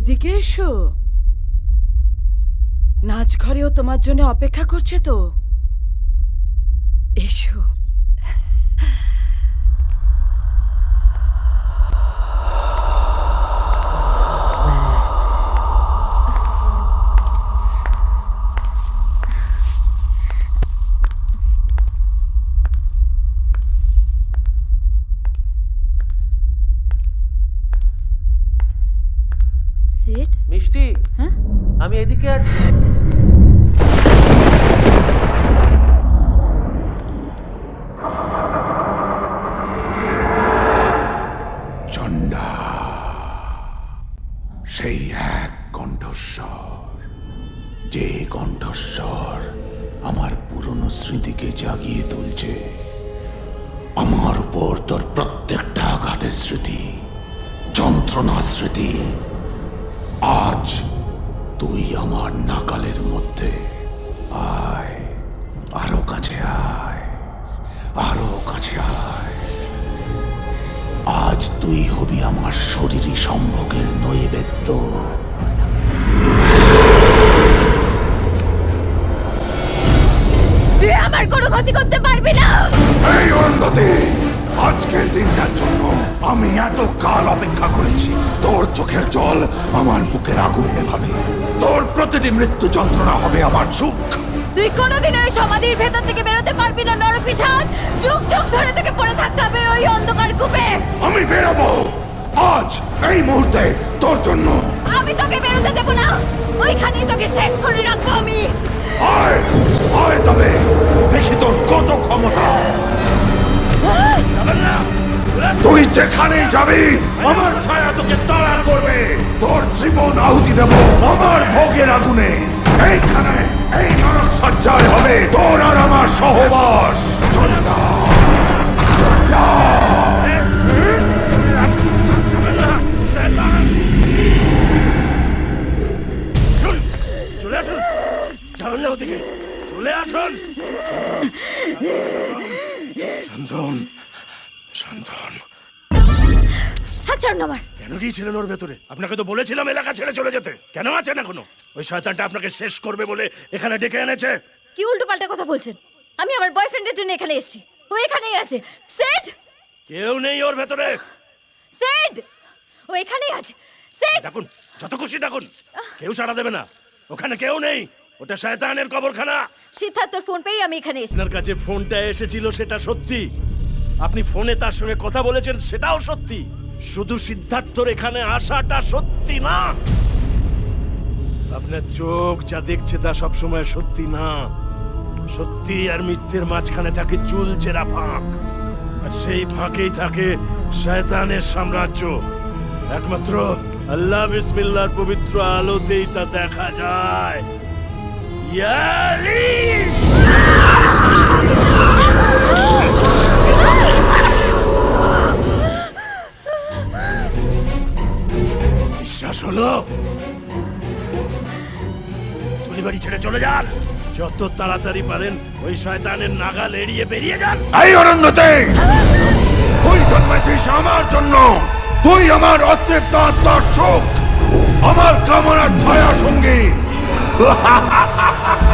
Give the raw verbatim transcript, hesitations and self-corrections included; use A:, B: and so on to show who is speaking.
A: এদিকে এসো। নাচ ঘরেও তোমার জন্য অপেক্ষা করছে তো। এসো।
B: সেট
C: মিষ্টি,
B: হ্যাঁ
C: আমি এদিকে আছি।
D: চণ্ডা, সেই এক কণ্ঠস্বর, যে কণ্ঠস্বর আমার পুরনো স্মৃতিকে জাগিয়ে তুলছে। আমার উপর তোর প্রত্যেকটা আঘাতের স্মৃতি, যন্ত্রণার স্মৃতি। আজ তুই আমার নাগালের মধ্যে। আয়, আরো কাছে আয়, আরো কাছে আয়। আজ তুই হবি আমার শরীরী সম্ভোগের নৈবেদ্য।
B: তুই আমার কোনো ক্ষতি করতে পারবি না।
D: এই অরুন্ধতী, আজকের দিনটার জন্য আমি এত কাল অপেক্ষা করেছি। তোর চোখের জল আমার বুকের আগুন নেভাবে। তোর প্রতিটি মৃত্যু যন্ত্রণা হবে আমার সুখ।
B: তুই কোনোদিন ওই সমাধির ভেতর থেকে বেরোতে পারবি না নরপিশাচ। যুগ যুগ ধরে তোকে পড়ে থাকতে হবে ওই অন্ধকার কূপে।
D: আমি বেরোবো আজ, এই মুহূর্তে, তোর জন্য।
B: আমি তোকে বেরোতে দেবো না, ওইখানেই তোকে শেষ করে রাখবো আমি।
D: আয়, আয় তবে দেখি তোর কত ক্ষমতা। তুই যেখানেই যাবি আমার ছায়া তোকে তাড়া করবে। তোর জীবন আহুতি দেব আমার ভোগের আগুনে। এইখানে এই নরক সজ্জায় হবে তোর আর আমার সহবাস। চণ্ডা, চণ্ডা।
E: চলে আসুন, যাবেন না ওদিকে, চলে আসুন। শান্তন, শান্তন,
B: হাত ছাড়ুন আমার।
E: কেন গিয়েছিলেন ওর ভেতরে? আপনাকে তো বলেছিলাম এলাকা ছেড়ে চলে যেতে। কেন আছেন এখনো? ওই শয়তানটা আপনাকে শেষ করবে বলে এখানে ডেকে এনেছে।
B: কি উল্টো পাল্টা কথা বলছেন? আমি আমার বয়ফ্রেন্ডের জন্য এখানে এসেছি, ও এখানেই আছে। সেট,
E: কেউ নেই ওর ভেতরে।
B: সেট, ও এখানেই আছে। সেট,
E: ডাকুন, যত খুশি ডাকুন, কেউ সাড়া দেবে না। ওখানে কেউ নেই, ওটা শয়তানের কবরখানা।
B: সিদ্ধার্থর ফোন পেয়ে আমি এখানে এসেছি।
E: আপনার কাছে ফোনটা এসেছিল সেটা সত্যি, আপনি ফোনে তার সঙ্গে কথা বলেছেন সেটাও সত্যি। শুধু সিদ্ধার্থর এখানে আসাটা সত্যি না। আপনার চোখ যা দেখছে তা সবসময় সত্যি না। সত্যি আর মিথ্যের মাঝখানে থাকে চুলচেরা ফাঁক, আর সেই ফাঁকেই থাকে শয়তানের সাম্রাজ্য। একমাত্র আল্লাহ বিসমিল্লাহর পবিত্র আলোতেই তা দেখা যায়। ইয়ালি! বিশ্বাস হলো? তুলি বাড়ি ছেড়ে চলে যান, যত তাড়াতাড়ি পারেন ওই শয়তানের নাগাল এড়িয়ে বেরিয়ে যান।
D: এই অরণ্যতে তুই জন্মেছিস আমার জন্য। তুই আমার অতৃপ্ত আত্মার সুখ, আমার কামনার ছায়া সঙ্গী।